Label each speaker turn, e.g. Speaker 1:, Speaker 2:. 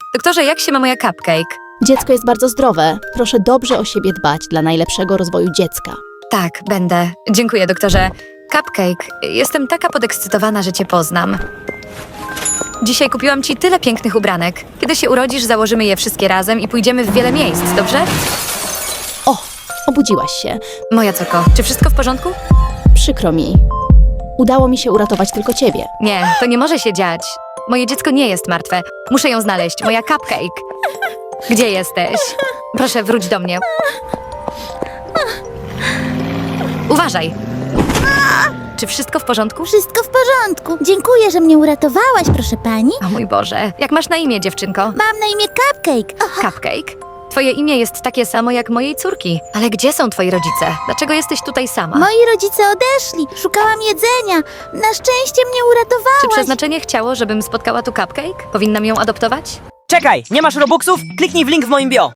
Speaker 1: Doktorze, jak się ma moja cupcake?
Speaker 2: Dziecko jest bardzo zdrowe. Proszę dobrze o siebie dbać dla najlepszego rozwoju dziecka.
Speaker 1: Tak, będę. Dziękuję, doktorze. Cupcake, jestem taka podekscytowana, że cię poznam. Dzisiaj kupiłam ci tyle pięknych ubranek. Kiedy się urodzisz, założymy je wszystkie razem i pójdziemy w wiele miejsc, dobrze?
Speaker 2: O, obudziłaś się.
Speaker 1: Moja córko, czy wszystko w porządku?
Speaker 2: Przykro mi. Udało mi się uratować tylko ciebie.
Speaker 1: Nie, to nie może się dziać. Moje dziecko nie jest martwe. Muszę ją znaleźć, moja cupcake. Gdzie jesteś? Proszę, wróć do mnie. Uważaj. Czy wszystko w porządku?
Speaker 3: Wszystko w porządku. Dziękuję, że mnie uratowałaś, proszę pani.
Speaker 1: O mój Boże, jak masz na imię, dziewczynko?
Speaker 3: Mam na imię Cupcake.
Speaker 1: Cupcake? Twoje imię jest takie samo jak mojej córki. Ale gdzie są twoi rodzice? Dlaczego jesteś tutaj sama?
Speaker 3: Moi rodzice odeszli. Szukałam jedzenia. Na szczęście mnie uratowałaś.
Speaker 1: Czy przeznaczenie chciało, żebym spotkała tu Cupcake? Powinnam ją adoptować?
Speaker 4: Czekaj, nie masz robuxów? Kliknij w link w moim bio.